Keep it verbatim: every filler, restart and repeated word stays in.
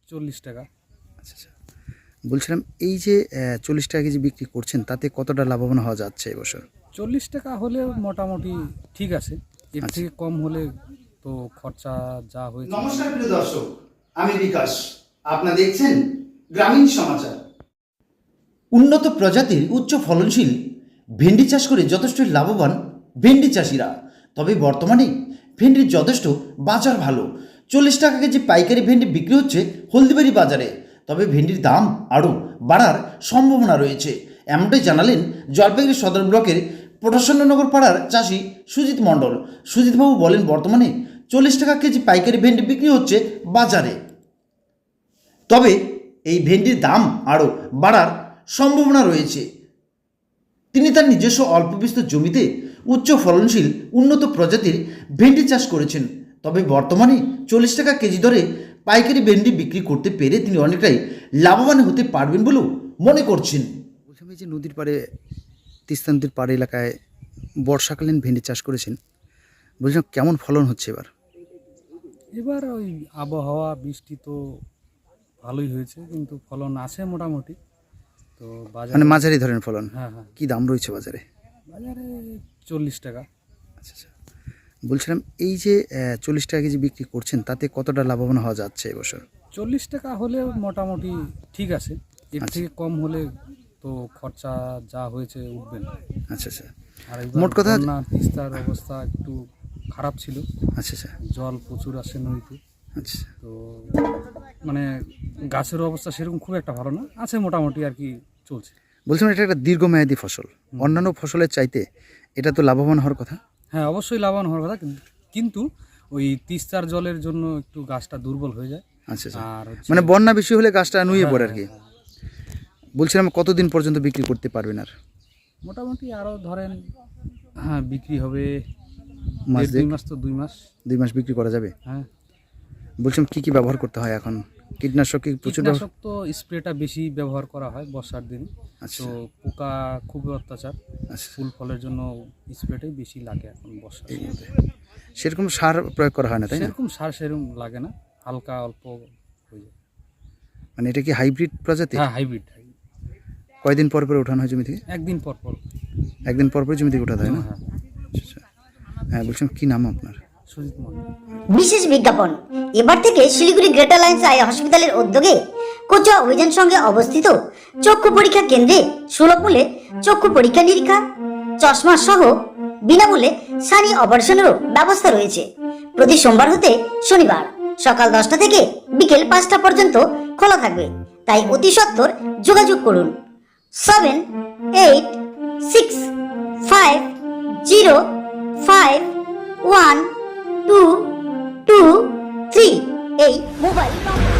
চল্লিশ টাকা। আচ্ছা আচ্ছা, বলছিলাম এই যে চল্লিশ টাকা কেজি বিক্রি করছেন তাতে কতটা লাভবান হওয়া যাচ্ছে এবছর? চল্লিশ টাকা হলে মোটামুটি ঠিক আছে, এর আচ্ছা। থেকে কম হলে তো খরচা যা হয়েছে। নমস্কার প্রিয় দর্শক, আমি বিকাশ, আপনারা দেখছেন গ্রামীণ সমাচার। উন্নত প্রজাতির উচ্চ ফলনশীল ভেন্ডি চাষ করে যথেষ্ট লাভবান ভেন্ডি চাষিরা। তবে বর্তমানে ভেন্ডির যথেষ্ট বাজার ভালো। চল্লিশ টাকা কেজি পাইকারি ভেন্ডি বিক্রি হচ্ছে হলদিবাড়ি বাজারে। তবে ভেন্ডির দাম আরও বাড়ার সম্ভাবনা রয়েছে, এমনটাই জানালেন জলপাইগুড়ি সদর ব্লকের প্রসন্ননগর পাড়ার চাষি সুজিত মণ্ডল। সুজিতবাবু বলেন, বর্তমানে চল্লিশ টাকা কেজি পাইকারি ভেন্ডি বিক্রি হচ্ছে বাজারে, তবে এই ভেন্ডির দাম আরও বাড়ার সম্ভাবনা রয়েছে। তিনি তার নিজস্ব অল্প বিস্তর জমিতে উচ্চ ফলনশীল উন্নত প্রজাতির ভেন্ডি চাষ করেছেন। তবে বর্তমানে চল্লিশ টাকা কেজি দরে পাইকারি ভেন্ডি বিক্রি করতে পেরে তিনি অনেকটাই লাভবান হতে পারবেন বলেও মনে করছেন। বলছিলাম এই যে নদীর পাড়ে, তিস্তা নদীর পাড়ে এলাকায় বর্ষাকালীন ভেন্ডি চাষ করেছেন, বলছিলাম কেমন ফলন হচ্ছে এবার? এবার ওই আবহাওয়া বৃষ্টি তো ভালোই হয়েছে, কিন্তু ফলন আছে মোটামুটি। তো বাজারে মানে মাঝারি ধরনের ফলন। হ্যাঁ হ্যাঁ, কি দাম রয়েছে বাজারে? বাজারে চল্লিশ টাকা। আচ্ছা আচ্ছা, বলছিলাম এই যে চল্লিশ টাকা কেজি বিক্রি করছেন তাতে কতটা লাভবান হওয়া যাচ্ছে এবছর? চল্লিশ টাকা হলে মোটামুটি ঠিক আছে, এর থেকে কম হলে তো খরচা যা হয়েছে উঠবে না। আচ্ছা আচ্ছা, আর মোট কথা না, তিস্তার অবস্থা একটু খারাপ ছিল। আচ্ছা আচ্ছা জল প্রচুর আসে নদীতে, আচ্ছা, তো মানে গাছের অবস্থা সেরকম খুব একটা ভালো না, আছে মোটামুটি আর কি চলছে। বলছিলাম এটা একটা দীর্ঘমেয়াদী ফসল, অন্যান্য ফসলের চাইতে এটা তো লাভবান হওয়ার কথা। হ্যাঁ, অবশ্যই লাভবান হওয়ার কথা, কিন্তু ওই তিস্তার জলের জন্য একটু গাছটা দুর্বল হয়ে যায়। আচ্ছা আচ্ছা, আর হচ্ছে- মানে বন্যা বেশি হলে গাছটা নুয়ে হ্যাঁ, পড়ে আর কি। হ্যাঁ, বলছিলাম কতদিন পর্যন্ত বিক্রি করতে পারবেন আর? মোটামুটি আরও ধরেন, হ্যাঁ বিক্রি হবে মাস দেড় দুই দেড়? মাস তো দুই মাস দুই মাস বিক্রি করা যাবে। হ্যাঁ, বলছিলাম কি কি ব্যবহার করতে হয় এখন? কীটনাশক কি প্রচুর ব্যবহার? কীটনাশক তো স্প্রেটা বেশি ব্যবহার করা হয় বর্ষার দিনে। আচ্ছা তো পোকা খুবই অত্যাচার, আচ্ছা, ফুল ফলের জন্য স্প্রেটাই বেশি লাগে এখন বর্ষার এই দিনে। মধ্যে সেরকম সার প্রয়োগ করা হয় না, তাই না? সেরকম সার সেরকম লাগে না, হালকা অল্প হয়ে যায়। মানে এটা কি হাইব্রিড প্রজাতি? হ্যাঁ, হাইব্রিড। কয়দিন পর পর ওঠানো হয় জমি থেকে? একদিন পর পর। একদিন পর পর জমি থেকে ওঠাতে হয় না? হ্যাঁ, আচ্ছা আচ্ছা, হ্যাঁ বলছিলাম কি নাম আপনার? সুজিত মন্ডল। বিশেষ বিজ্ঞাপন, এবার থেকে শিলিগুড়ি গ্রেটার লাইন্স আই হসপিটালের উদ্যোগে কোচুয়া অভিযান সঙ্গে অবস্থিত চক্ষু পরীক্ষা কেন্দ্রে সুলভ মূল্যে চক্ষু পরীক্ষা নিরীক্ষা, চশমা সহ বিনামূল্যে সানি অপারেশনেরও ব্যবস্থা রয়েছে। প্রতি সোমবার হতে শনিবার সকাল দশটা থেকে বিকেল পাঁচটা পর্যন্ত খোলা থাকবে, তাই অতি সত্বর যোগাযোগ করুন seven eight six five zero five one two two three এই মোবাইল নম্বর।